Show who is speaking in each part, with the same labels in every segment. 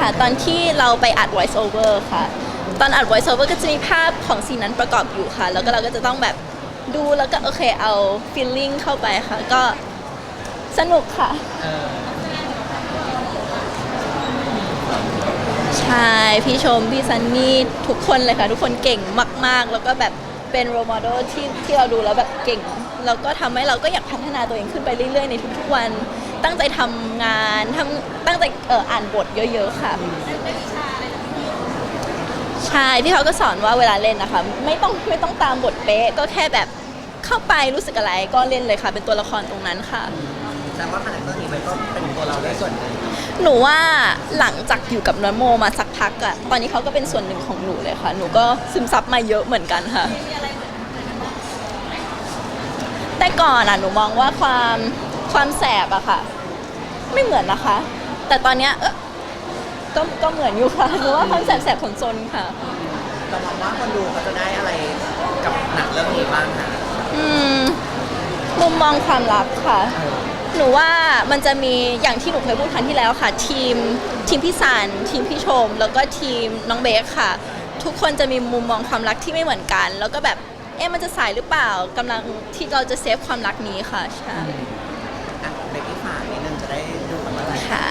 Speaker 1: ค่ะตอนที่เราไปอัด voice over ค่ะตอนอัด voice over ก็จะมีภาพของซีนนั้นประกอบอยู่ค่ะแล้วก็เราก็จะต้องแบบดูแล้วก็โอเคเอา feeling เข้าไปค่ะก็สนุกค่ะใช่พี่ชมพี่ซันนี่ทุกคนเลยค่ะทุกคนเก่งมากๆแล้วก็แบบเป็น role model ที่เราดูแล้วแบบเก่งแล้วก็ทำให้เราก็อยากพัฒนาตัวเองขึ้นไปเรื่อยๆในทุกๆวันตั้งใจทำงานตั้งใจอ่านบทเยอะๆค่ะใช่พี่เขาก็สอนว่าเวลาเล่นนะคะไม่ต้องตามบทเป๊ะก็แค่แบบเข้าไปรู้สึกอะไรก็เล่นเลยค่ะเป็นตัวละครตรงนั้นค่ะ
Speaker 2: แต่ว่าคาแรคเตอร์นี้มันก็เป็นตัวเราได้ส่วนหนึ่ง
Speaker 1: หนูว่าหลังจากอยู่กับน้องโมมาสักพักอะตอนนี้เขาก็เป็นส่วนหนึ่งของหนูเลยค่ะหนูก็ซึมซับมาเยอะเหมือนกันค่ะแต่ก่อนอะหนูมองว่าความแสบอะค่ะไม่เหมือนนะคะแต่ตอนเนี้ยก็เหมือนอยู่ค่ะหนูว่าความแสบผลซนค่ะ
Speaker 2: เรามองว่าคนดูเขาจะได้อะไรกับหนังเรื่องนี้บ้างคะ
Speaker 1: มุมมองความรักค่ะหนูว่ามันจะมีอย่างที่หนูเคยพูดครั้งที่แล้วค่ะทีมพี่สันทีมพี่ชมแล้วก็ทีมน้องเบคค่ะทุกคนจะมีมุมมองความรักที่ไม่เหมือนกันแล้วก็แบบมันจะสายหรือเปล่ากำลังที่เราจะเซฟความรักนี้ค่ะใช่
Speaker 2: เบกกี้ฝากนิดนึงจะได้ดูกันเมื่อไหร่
Speaker 1: ค่ะ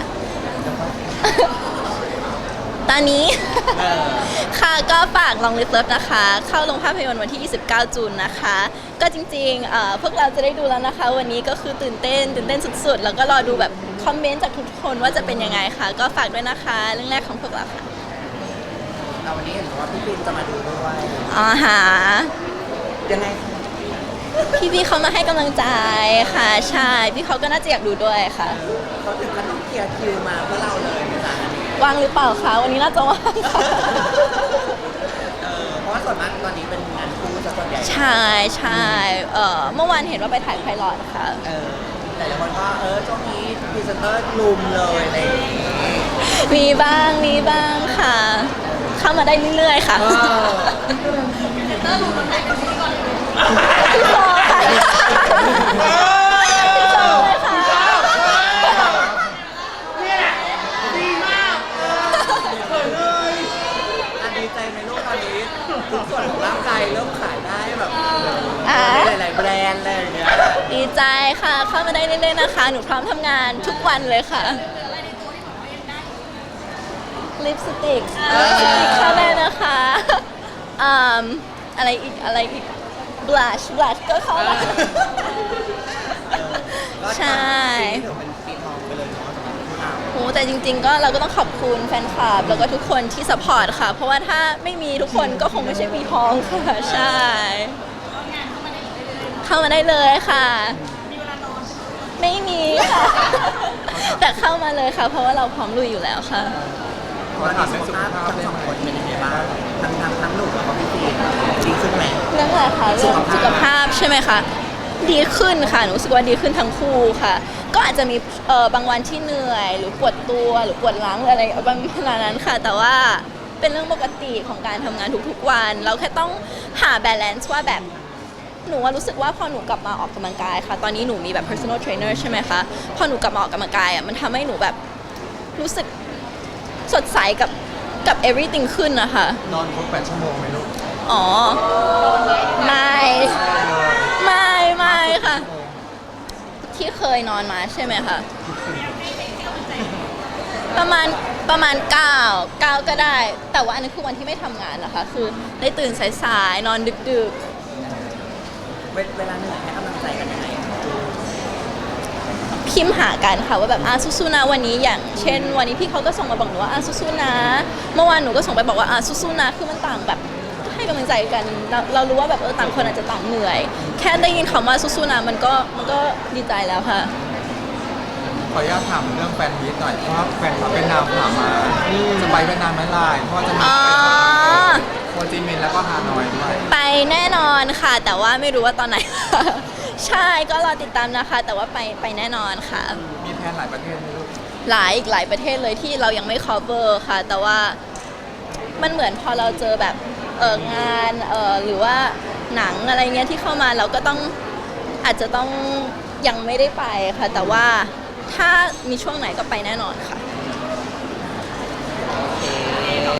Speaker 1: ตอนนี้ค่ะก็ฝากลองลิฟเลิฟนะคะเข้าลงภาพยนตร์วันที่ 29 จูนนะคะก็จริงๆพวกเราจะได้ดูแล้วนะคะวันนี้ก็คือตื่นเต้นสุดๆแล้วก็รอดูแบบคอมเมนต์จากทุกคนว่าจะเป็นยังไงค่ะก็ฝากด้วยนะคะเรื่องแรกของพวกเราค่ะ
Speaker 2: วันนี้เห็นว่าพี่ปินจะมาดูด้วยยังไง
Speaker 1: พี่เขามาให้กำลังใจค่ะใช่พี่เขาก็น่าจะอยากดูด้วยค่ะ
Speaker 2: เขาถึงขั้นต้องเคลียร์คิวมาเพื่อเราเลยจ้ะ
Speaker 1: ว่างหรือเปล่าคะวันนี้น่าจะว่างค่ะ
Speaker 2: เพราะว่าส่วนมากตอนนี้เป็นงานคู่ซะส่วนใหญ่
Speaker 1: ใช่เมื่อวานเห็นว่าไปถ่ายไพลอตค่ะ
Speaker 2: แต่ละคนก็ช่วงนี้พรีเซนเตอร์ลุมเลยอะไร
Speaker 1: มีบ้างค่ะเข้ามาได้เรื่อยๆค่ะพรีเซนเตอร์ลุมคนไหนเป็นพิธีกรพี่โซค่ะพี่โซเลยค่ะ
Speaker 2: ดีใจในโลกตอนนี้ทุกส่วนของร่างกายเริ่มขายได้แบบหลายๆแบรนด์อะไรอย่างเงี้ย
Speaker 1: ดีใจค่ะเข้ามาได้เรื่อยๆนะคะหนูพร้อมทำงานทุกวันเลยค่ะลิปสติกเข้าได้นะคะอะไรอีกบลัชก็เข้าได้ใช่
Speaker 2: เป็นปีทองไปเลยเนาะ
Speaker 1: โหแต่จริงๆก็เราก็ต้องขอบคุณแฟนคลับแล้วก็ทุกคนที่สปอร์ตค่ะเพราะว่าถ้าไม่มีทุกคนก็คงไม่ใช่ปีทองค่ะใช่เข้ามาได้เลยค่ะไม่มีค่ะแต่เข้ามาเลยค่ะเพราะว่าเราพร้อมลุยอยู่แล้วค่ะ
Speaker 2: เพราะว่าสุขภาพทั้งสองคนเป็นยังไงบ้างทั้งหนุ่มแล้วก็พี่ปีดีขึ้นไหม
Speaker 1: เรื่องอะไรคะเรื่องสุขภาพใช่ไหมคะดีขึ้นค่ะหนูรู้สึกว่าดีขึ้นทั้งคู่ค่ะก็อาจจะมีบางวันที่เหนื่อยหรือปวดตัวหรือปวดหลังหรืออะไรประมาณนั้นค่ะแต่ว่าเป็นเรื่องปกติของการทำงานทุกๆวันเราแค่ต้องหาบาลานซ์ว่าแบบหนูรู้สึกว่าพอหนูกลับมาออกกำลังกายค่ะตอนนี้หนูมีแบบ personal trainer ใช่ไหมคะพอหนูกลับมาออกกำลังกายมันทำให้หนูแบบรู้สึกสดใสกับ everything ขึ้นนะคะ
Speaker 2: นอนครบ8 ชั่วโมงไหมลูก
Speaker 1: อ๋อไม่ค่ะที่เคยนอนมาใช่ไหมคะประมาณ9ก็ได้แต่ว่าอันนี้คือวันที่ไม่ทำงานนะคะคือได้ตื่นสายๆนอนดึก
Speaker 2: เวลาเหนื่อยให้กำลังใจกันยังไง
Speaker 1: พิมพ์หากันค่ะว่าแบบสู้ๆนะวันนี้อย่างเช่นวันนี้พี่เขาก็ส่งมาบอกหนูว่าสู้ๆนะเมื่อวานหนูก็ส่งไปบอกว่าสู้ๆนะคือมันต่างแบบให้กำลังใจกันเรารู้ว่าแบบต่างคนอาจจะต่างเหนื่อยแค่ได้ยินคำว่าสู้ๆนะมันก็ดีใจแล้วค่ะ
Speaker 3: ขออนุญาตถามเรื่องแฟนมีตหน่อยเพราะว่าแฟนเวียดนามถามมาจะไปเวียดนามไหมล่ะเพราะว่าจะมีโฮจิมินห์แล้วก็ฮานอยด้วย
Speaker 1: ไปแน่นอนค่ะแต่ว่าไม่รู้ว่าตอนไหนใช่ก็รอติดตามนะคะแต่ว่าไปแน่นอนค่ะ
Speaker 3: มีแผนหลายประเทศไหมลูก
Speaker 1: หลายประเทศเลยที่เรายังไม่ cover ค่ะแต่ว่ามันเหมือนพอเราเจอแบบงานหรือว่าหนังอะไรเงี้ยที่เข้ามาเราก็ต้องอาจจะต้องยังไม่ได้ไปค่ะแต่ว่าถ้ามีช่วงไหนก็ไปแน่นอนค่ะ